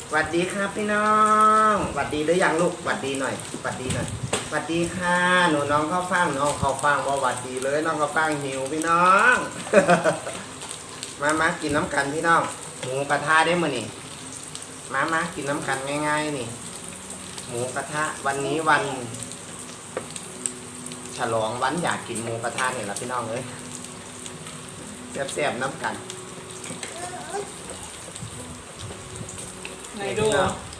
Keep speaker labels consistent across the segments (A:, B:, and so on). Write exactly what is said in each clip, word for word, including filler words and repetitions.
A: หวัดดีครับพี่น้องหวัดดีหรือยังลูกหวัดดีหน่อยหวัดดีหน่อยหวัดดีค่ะหนูน้องข้าวฟ่างน้องข้าวฟ่างว่าหวัดดีเลยน้องข้าวฟ่างหิวพี่น้อง มามากินน้ำกันพี่น้องหมูกระทะได้มั้ยนี่มามากินน้ำกันง่ายๆนี่หมูกระทะวันนี้วันฉลองวันอยากกินหมูกระทะเนี่ยละพี่น้องเอ้ยแซ่บๆน้ำกัน
B: ไหนดู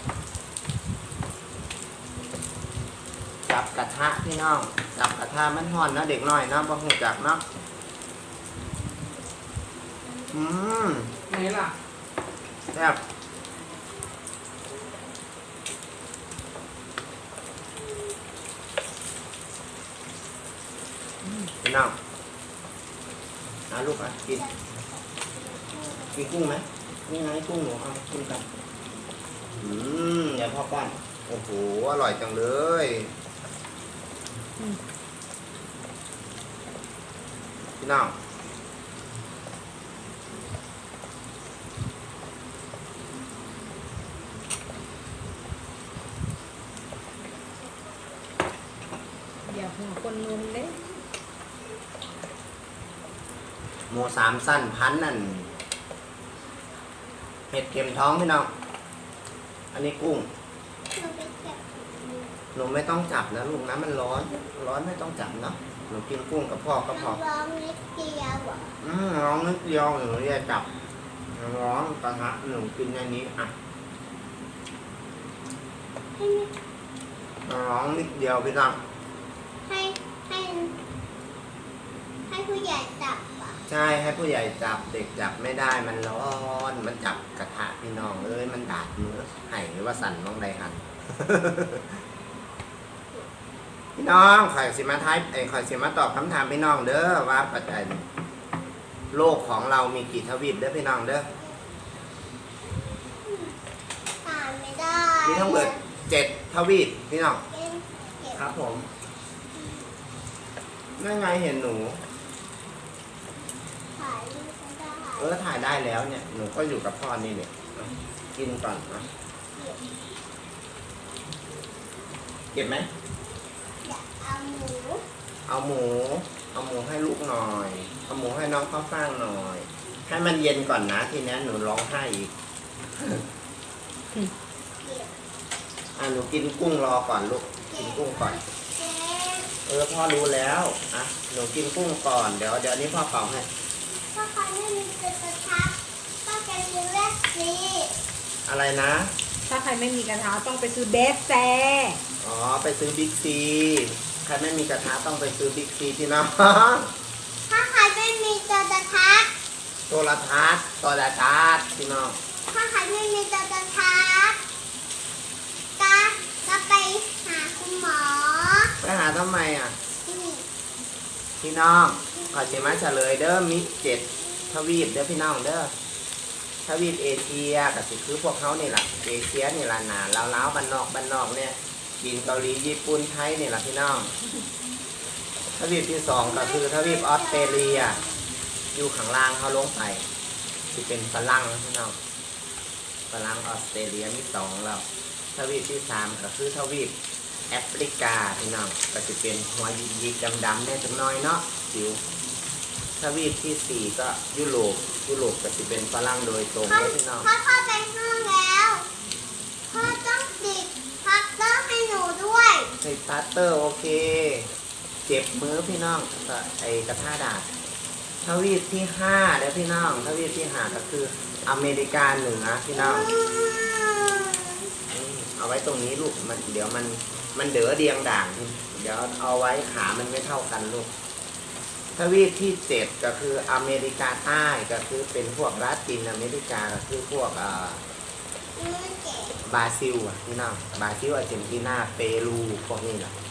A: จับกระทะพี่น้องจับกระทะมันห่อนนะเด็กน้อยนะบ่หูจักเนาะอืม
B: ไหนล่ะ
A: แซ่บพี่น้องเอาลูกอ่ะกินกินกุ้งไหมนี่ไงกุ้งหนูเอากินกันอืมอย่าพ่อป้อนโอ้โหอร่อยจังเลยพี่น้อง
C: อย่าหัวคนนุ่มเด้
A: หมูสามสั้นพันนั่นเห็ดเข็มท้องพี่น้องอันนี้กุ้งหนูไม่ต้องจับนะลูกนะมันร้อนร้อนไม่ต้องจับเนาะหนูกินกุ้งกับพ่อก็พอ
D: ร้องนิดเดียวอ่ะ
A: อืมร้องนิดเดียวหนูจะจับร้องกระทะหนูกินในนี้อ่ะร้องนิดเดียวพี่น้อง
D: ให้ให้ให้ผู้ใหญ่จับอ่ะ
A: ใช่ให้ผู้ใหญ่จับเด็กจับไม่ได้มันร้อนมันจับกระทะพี่น้องเอ้ยมันดาดมือไห้หรือว่าสั่นมองใดหัน พี่น้องข่อยสิมาท้ายไอ้ข่อยสิมาตอบคำถามพี่น้องเด้อว่าปัจจัยโลกของเรามีกี่ทวีปเด้อพี่น้องเด้อ
D: อ่านไม่ได้
A: มีทั้งหมดเจ็ดทวีปพี่น้องครับผมนั่นไงเห็นหนู
D: ถ่ายรูปไม่ได้
A: เออถ่ายได้แล้วเนี่ยหนูก็อยู่กับพ่อนี่เนี่ยกินก่อนนะเก็บไหม
D: อยากเอาหมู
A: เอาหมูเอาหมูให้ลูกหน่อยเอาหมูให้น้องข้าวฟ่างหน่อยให้มันเย็นก่อนนะทีนี้หนูร้องไห้อีกอ่ะหนูกินกุ้งรอก่อนลูกกินกุ้งก่อนเออพ่อรู้แล้วอ่ะหนูกินกุ้งก่อนเดี๋ยวเดี๋ยวนี้พ่อเป่าให้
D: ถ้าใครไม่มีกระทะก็จะซื้อแรกซี
A: อะไรนะ
C: ถ้าใครไม่มีกระทะต้องไปซื้อเบสแซ
A: อ๋อไปซื้อบิ๊กซีใครไม่มีกระทะต้องไปซื้อบิ๊กซีพี่น้อง
D: ถ้าใครไม่มีกระทะ
A: โทรทัศน์โทรทัศน์พี่น้อง
D: ถ้าใครไม่มีกระทะก็ก็ไปหาคุณหมอ
A: ไปหาทำไมอ่ะพี่น้องขอเฉมาเฉลยเด้อมิเจ็ดทวีปเด้อพี่น้องเด้อทวีปเอเชียก็คือพวกเขานี่แหละเอเชียนี่แหละหนาล้าวๆบ้านนอกบ้านนอกเนี่ยจีนเกาหลีญี่ปุ่นไทยนี่แหละพี่น้องทวีปที่สองก็คือทวีปออสเตรเลียอยู่ข้างล่างเขาลงไปที่เป็นฝรั่งพี่น้องฝรั่งออสเตรเลียมีสองแล้วทวีปที่สามก็คือทวีปแอฟริกาพี่น้องก็จะเป็นหัวยิกๆดำๆเนี่ยจังน้อยเนาะผิวทวีปที่สี่ก็ยุโรปยุโรปก็จะเป็นฝรั่งโดยตรงเลยพี่น้อง
D: พ่อพ่อไปห้องแล้วพ่อต้องติดพัตเตอร์ให้หนูด้วย
A: ติดพัตเตอร์โอเคเจ็บมือพี่น้องก็ไอกระทะดาษทวีปที่ห้าแล้วพี่น้องทวีปที่ห้าก็คืออเมริกาเหนือพี่น้องเอาไว้ตรงนี้ลูกมันเดี๋ยวมันมันเดือเดียงด่างเดี๋ยวเอาไว้ขามันไม่เท่ากันลูกทวีปที่เจ็ดก็คืออเมริกาใต้ก็คือเป็นพวกลาตินอเมริกาก็คือพวกอ่าบราซิลอ่ะพี่น้องบราซิลอาร์เจนตินาเปรูพวกนี้แหละ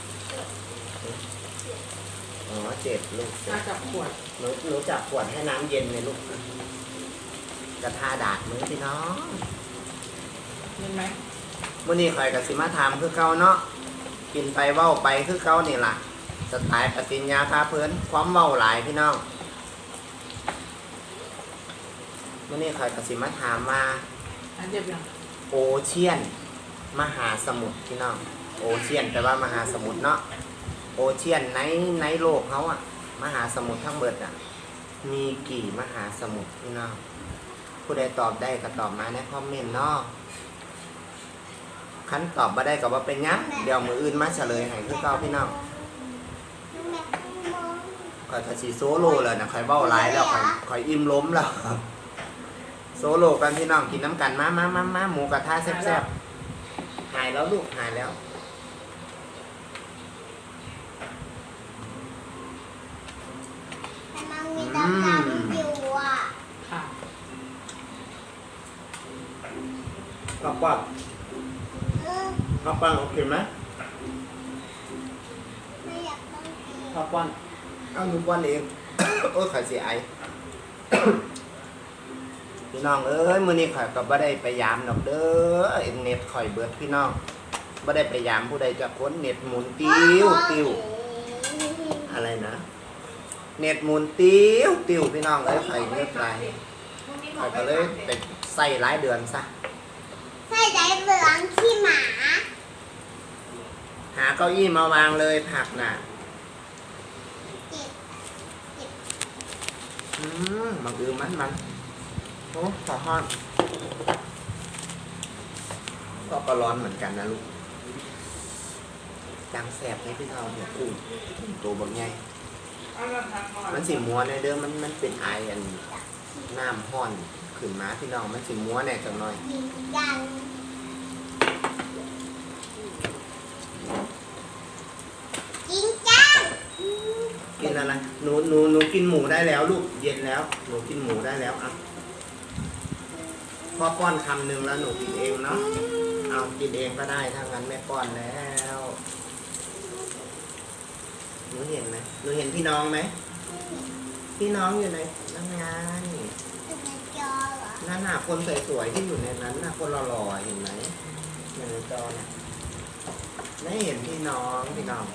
A: อ๋อเจ็ดลูก
B: จับขวด
A: หนูหนูจับขวดให้น้ำเย็นเลยลูกกระทาดาดมือพี่น้อง
B: เห็นไหม
A: มื่อนี้ข่อยกับสิมาถามคือเก่าเนาะกินไปเว้าไปคือเก่านี่ล่ะสไตล์ปฏิญญาพาเพิ่นความเว้าหลายพี่น้องมื่อนี้ข่อยกับสิมาถามว่า
B: อันเจ็บยัง
A: โอเชียน มหาสมุทรพี่น้องโอเชียนแปลว่ามหาสมุทรเนาะโอเชียนในในโลกเขาอะมหาสมุทรทั้งเบิดอะมีกี่มหาสมุทรพี่น้องผู้ใดตอบได้ก็ตอบมาในคอมเมนต์เนาะคันตอบมาได้ก็ว่าเป็นยังเดี๋ยวมืออื่นมาเฉลยให้คือเก่าพี่น้องคอยทาสีโซโล่เลยนะคอยเบ้าไลายแล้วคอยคอยอิ่มล้มแล้วโซโล่กันพี่น้องกินน้ำกันมามามามาหมูกระทะแซ่บๆหายแล้วลูกหายแล้ว
D: แต่มันมีดำๆอยู่อ่ะ
B: ค่ะ
A: ข้าวปั้น
D: เออ
A: ข้าวปั้นโอเคไหม
D: ไม่อยากต้องกิน
A: ข้าวปั้นเอาหนูปั้นเอง โอ้ยข่อยเสียไอ พี่น้องเอ้ยมื้อนี้ข่อยก็บ่ได้ไปยามดอกเด้อเน็ตข่อยเบิดพี่น้องบ่ได้ไปยามผู้ใดจะพ้นเน็ตหมุนติ้วติ้วอะไรนะเน็ตหมุนติ้วติ้วพี่น้องเอ้ยข่อยเลือกไรข่อยก็เลยไปใส่หลายเดือนซะ
D: ใส่ใจเหลืองขี้หมา
A: หาเก้าอี้มาวางเลยผักน่ะ
D: เจ็บ
A: อืมมันอือมันมันโอ้ขอห้อนก็ก็ร้อนเหมือนกันนะลูกจังแสบให้พี่น้องหัวกุ้งตัวบางไง
B: เอาละค่ะก่อน
A: มันสีมัวในเด้อมันมันเป็นไออันน้ำห้อนขึ้นมาพี่น้องมันสีมัวแน่จังหน่อย
D: กินกันกินกัน
A: กินอะไรหนูหนูหนูกินหมูได้แล้วลูกเย็นแล้วหนูกินหมูได้แล้วอ่ะพ่อป้อนคำหนึ่งแล้วหนูกินเองเนาะเอากินเองก็ได้ถ้างั้นแม่ป้อนแล้วหนูเห็นไหมหนูเห็นพี่น้องไหมพี่น้องอยู่ในนั่งงาน
D: เป็นในจอเหรอ
A: นั่นน่ะคนสวยๆที่อยู่ในนั้นน่ะคนหล่อๆเห็นไหมอยู่ในจอน่ะไม่เห็นพี่น้องพี่น้อง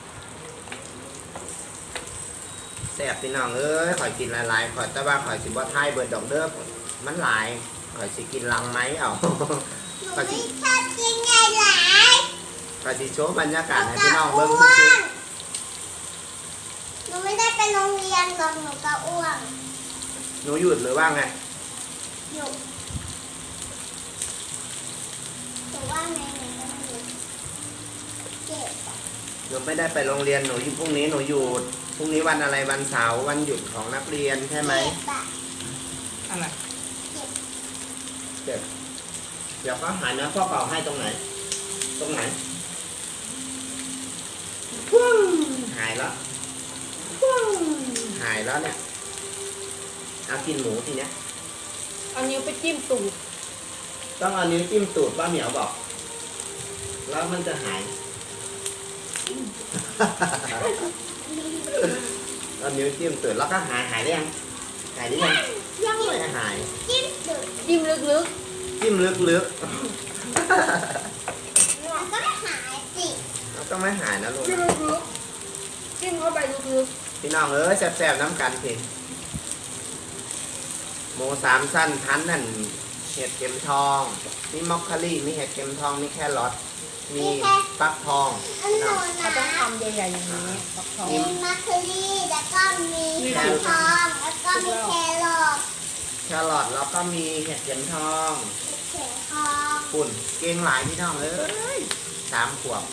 A: แซ่บพี่น้องเอ้ยข่อยกินหลายๆข่อยแต่ว่าข่อยสิบ่ทายเบิดดอกเด้อมันหลายข่อยสิกินลังไหมเอา
D: หนูไม่ชอบกินไงหลาย
A: ข่อยสิโชว์บรรยากาศให้
D: หนู
A: พี่
D: กะ
A: น้อง
D: อ้
A: เบิ่ง
D: ว
A: ซื่อน
D: หนูไม่ได้ไปโรงเรียนหรอกหนูกะอ้วน
A: ๆหนูหยุดหรือว่าไง
D: อยู่หนูว่าไงหนูก็ไม่รู้เจ็บอะ
A: หนูไม่ได้ไปโรงเรียนหนูอยู่พรุ่งนี้หนูหยุดพรุ่งนี้วันอะไรวันเสาร์วันหยุดของนักเรียนใช่ไหม
D: เจ็บอะ
B: อะไร
A: เจ็บเดี๋ยวก็หายนะพ่อเป่าให้ตรงไหน ตรงไหนว้าวหายแล้วว้าวหายแล้วเนี่ยเอากินหมูทีเนี้ย
C: เอานิ้วไปจิ้มตูด
A: ต้องเอานิ้วจิ้มตูดป้าเหมียวบอก แล้วมันจะหาย เอานิ้วจิ้มตูดแล้วก็หายหายได้ยังหายได้ยังยังไม่หาย
D: จิ้มสุด
C: จิ้มลึก
A: จิ้มลึก
D: มันก็ไม่หายสิ
A: ๆแล้วก็ไม่หายนะลูก
C: ๆจิ้มลึกๆจิ้มเข้าไปลึก
A: พี่น้องเอ้ยแซ่บๆน้ำกันสิหมูสามสั้นพันนั่นเห็ดเข็มทองมีมอคคารี่มีเห็ดเข็มทองมีแครอทมีฟักทอง
D: อันหนู
C: ๆเขา
D: นะ
C: ต้องทำใหญ่ๆอย่างนี้ฟักทอง
D: มีมัคคุรี่แล้วก็มีแคทองแล้วก็มีแครอท
A: แครอทแล้วก็มีเห็ดเข็มทอง
D: เข็มทอง
A: ปุ่นเก่งหลายพี่น้องเอ้ยสามขวบ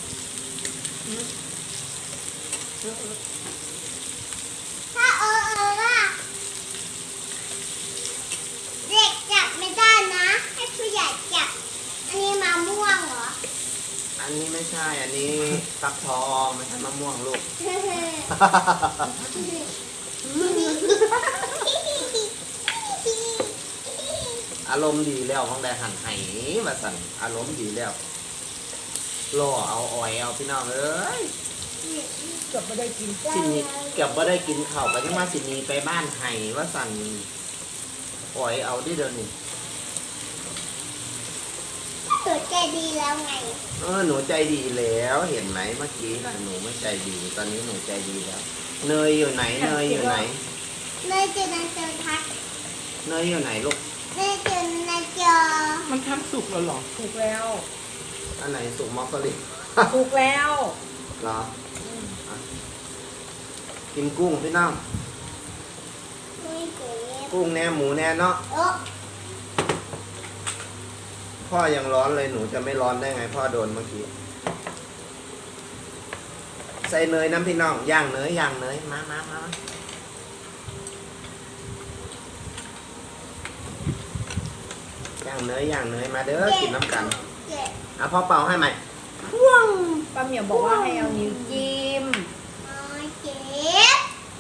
D: ถ้าเออเออว่าเด็กจับไม่ได้นะ ให้ผู้ใหญ่จับ อันนี้มะม่วงเหรอ
A: อันนี้ไม่ใช่อันนี้ฟักทองไม่ใช่มะม่วงลูก อารมณ์ดีแล้วของแดหันไห้มาสั่นอารมณ์ดีแล้วล่อเอาอ่อยเอาพี่น้องเอ้ย
C: เกือบไม่ได้กิน
A: สินี้เก็บว่าได้กินข้าวไปยังว่าสินีไปบ้านไห้ว่าสั่นอ่อยเอาได้เดี๋ยวนี้
D: ตัวใจดีแล้วไง
A: เออหนูใจดีแล้วเห็นไหมเมื่อกี้หนูไม่ใจดี ตอนนี้หนูใจดีแล้ว เนยอยู่ไหนเนยอยู่ไหน
D: เลยเจอในเจอทัก
A: เนยอยู่ไหนลูก
D: เลยเจอในจอ
B: มันทำสุกแล้วเหรอ
C: ถูกแล้ว
A: อันไหนสุกมอคโคลี
C: ถูกแล้ว
A: เหรออ่ะกินกุ้งพี่น้อง
D: ไม่เจ็บ
A: กุ้งแน่หมูแน่เนาะ
D: โอ้
A: พ่อยังร้อนเลยหนูจะไม่ร้อนได้ไงพ่อโดนเมื่อกี้ใส่เนยน้ำพี่น้องย่างเนยย่างเนยมามามาย่างเนยย่างเนยมาเด้อกินน้ำกัน
D: เจ็บ
A: อ่ะพ่อเป่าให้ใหม่
C: ป้าเหมียวบอกว่าให้เอานิ้วจิ้ม
D: ไม่เจ็บ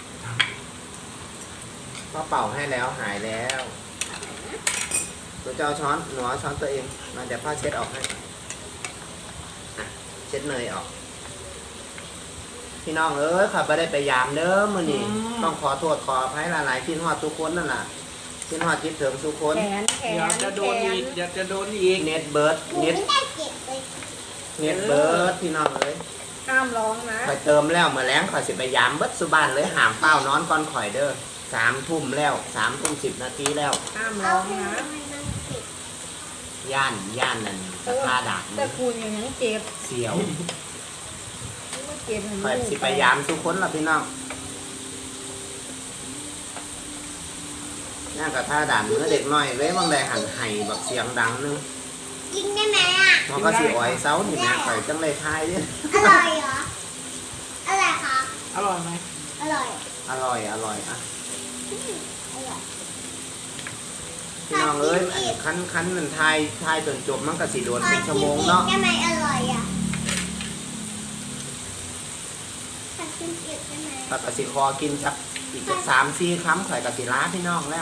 A: พ่อเป่าให้แล้วหายแล้วหนูจะเอาช้อนหนูเอาช้อนตัวเองมาเดี๋ยวพ่อเช็ดออกให้อ่ะเช็ดเนยออก พี่น้องเอ้ยขับไปได้ไปยามเด้อมื้อนี้ต้องขอโทษขออภัยหลายๆคิดฮอดทุกคนนั่นน่ะคิดฮอดคิดถึงทุกคน
C: แขนแข
B: เดี๋ยวนจะโดนอีกเดี๋ยวจะโดนอีก
A: เน็ตเบิร์ด
D: หนู
A: เน็ต
D: ไม่ได้เจ็บเลย
A: เน็ตเบิร์ดพี่น้องเอ้ย
C: ห้ามร้องนะ
A: ข่อยเติมแล้วเมื่อแล้งข่อยสิไปยามเบิดสุบานเลยหามเป้านอนก่อนข่อยเด้อสามทุ่มแล้วสามทุ่มสิบนาทีแล้ว
C: ห้าม
D: เอา
C: ร้อง
D: ให้
C: นะ
D: มันเจ็บ
A: ย่านย่านนั่นตะคาดัก
C: แต่คุณอย่างนั้นเจ็บ
A: เสียว
C: ไม่เจ็บเห็น
A: ข่อยสิไปยามทุกคนล่ะพี่น้องย่างกับท่าด่านเมื่อเด็กน้อยเว้ยบางใดหันไห้แบบเสียงดังนึง
D: กินได้ไหมอ่ะ
A: มันก็สิอ้อยเซานี่แม่ข่อยจังเลยทายเด้อ
D: อร่อยเหรออร่อยคะ
B: อร่อยไหม
D: อร่อย
A: อร่อยอร่อยอ่ะ
D: อืมอร่อย
A: พี่น้องเอ้ยอันนี้คันคันมันทายทายจนจบมันก็สิโดน
D: ขอ
A: เป็นชั่ว
D: ชิ
A: โม
D: ม
A: ง
D: อีก
A: เนาะ
D: ได้ไหมอร่อยอ่ะขอชิมอีกได้ไหม
A: ปกติคอกินจักอีกจักสามสี่คำข่อยกะสิล้าพี่น้องแล้ว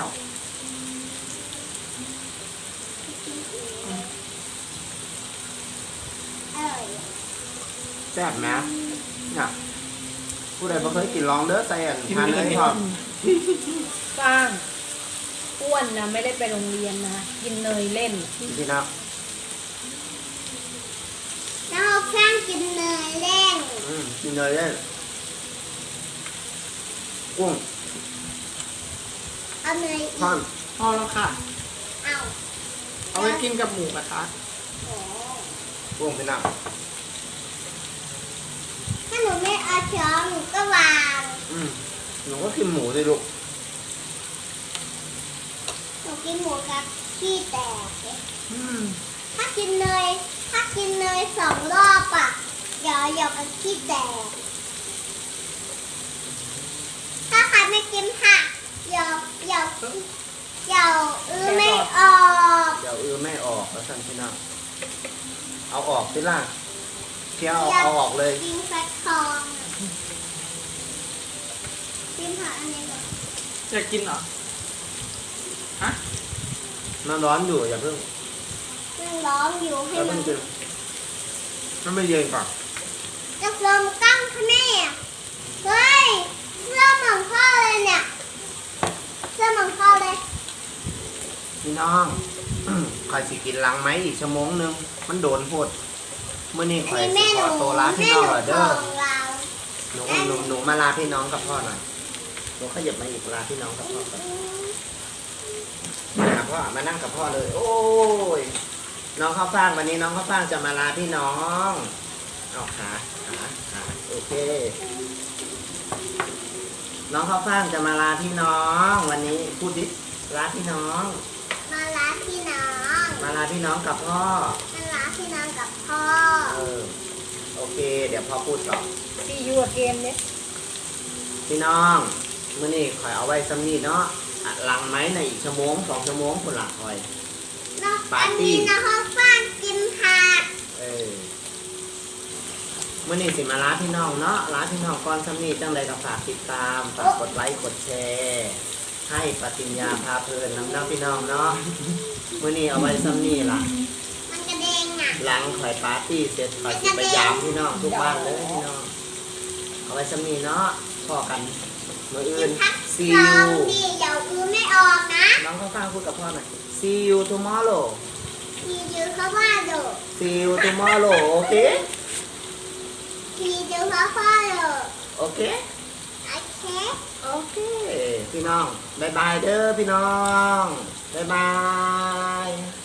D: อร่อยอะ
A: แซ่บไหมเนี่ยผู้ใดบ่เคยกินลองเด้อใส่อันทานเลยพร้อม
C: สร้างอ้วนนะไม่ได้ไปโรงเรียนนะกินเนยเล่น
A: พี่น้อง
D: แล้วเอาเครื่องกินเนยเล่น
A: อืมกินเลยเด้อกุ้ง
D: เอาเนยอีก
A: ท่อน
B: พอแล้วค่ะ
D: เอา
B: เอาไว้กินกับหมูกระทะ
D: โอ้
A: กุ้งพี่น้อง
D: ถ้าหนูไม่เอาช้อนหนูก็วาง
A: อืมหนูก็กินหมูสิลูก
D: หนูกินหมูกับขี้แตกเลย
B: อืม
D: ถ้ากินเนยถ้ากินเนยสองรอบอ่ะเดี๋ยวเดี๋ยวมันขี้แตกถ้าใครไม่กินผักเดี๋ยวเดี๋ยวเดี๋ยวอื้อไม่ออก
A: เดี๋ยวเออไม่ออกแล้วสั่นพี่น้องเอาออกสิล่ะเที่ยวเอา
D: เดี๋ยว
A: เอาออกเลย
D: กินฟักทองกินผักอันนี้ก่อน
B: จะกินเหรอ ฮะ
A: มันร้อนอยู่อย่าเพิ่ง
D: ยังร้องอยู่ให้
A: อย่า
D: มั
A: เพิ่
D: น
A: งกินมันไม่เย็นก่อน
D: จะลมตั้งค่ะแม่เฮ้ยเสื้อเหมือนพ่อเลยเนี่ยเสื้อเหมือนพ่อเลย
A: พี่น้อง ข่อยสิกินลังไหมอีกชั่วโมงหนึงมันโดนโพดเมื่อนี้ข่อย
D: นี่
A: สิ
D: แม่ห
A: ข
D: นู
A: อตัวลาพี่
D: แม่
A: น้อง
D: หนู
A: เหรอ
D: ข
A: เด้อ
D: องเรา
A: หนูหนูหนูมาลาพี่น้องกับพ่อหน่อยหนูขยับมาอีกลาพี่น้องกับพ่อก่อนมาพ่อมานั่งกับพ่อเลย โอ้ยน้องข้าวฟ่างวันนี้น้องข้าวฟ่างจะมาลาพี่น้องเอาขาขาขาโอเค น้องข้าวฟ่างจะมาลาพี่น้อง วันนี้พูดดิลาพี่น้อง
D: มาล้าพี่น้อง
A: มาลาพี่น้องกับพ่อ
D: มาล้าพี่น้องกับพ่อ
A: เออโอเค เดี๋ยวพ่อพูดต่อ
C: ที่ยูเกมเนี่ย
A: พี่น้องมื้อนี้คอยเอาไว้ซ้ำนี้เนาะอ่ะหลังไหมในอีกชั่วโมงสองชั่วโมงคนละคอย
D: น้อง
A: ปา
D: อั
A: ร์
D: น
A: ตี้
D: นี้น้องฟ้านกินผัก
A: เออมื้อนี้สิมาลาพี่น้องเนาะลาพี่น้องก่อนซ้ำนี้จังใดก็ฝากติดตามฝากกดไลค์กดแชร์ให้ปฏิญญาพาเพลินน้ำเน้าพี่น้องเนาะมื้อนี้เอาไว้ซ้ำนี้ล่ะ
D: มันกระเด้งอ่ะ
A: หลังคอยปาร์ตี้เสร็จคอยสิไปยามพี่น้องทุกบ้านเลยพี่น้องเอาไว้ซ้ำนี้เนาะพอกันมื้อ
D: กิ
A: อื่
D: น
A: น
D: ผัก
A: see
D: ลอง
A: you
D: ดีเดี๋ยวอื้อไม่ออกนะ
A: น้องข้าวฟ่างพูดกับพ่อหน่อย see you tomorrow
D: ทีเดียวเขาว่าโดด
A: see you tomorrow โอเค
D: ทีเดียวเขาว่าโดด
A: โอเค
D: โอเค
A: โอเค พี่น้องบายบายเด้อพี่น้องบายบาย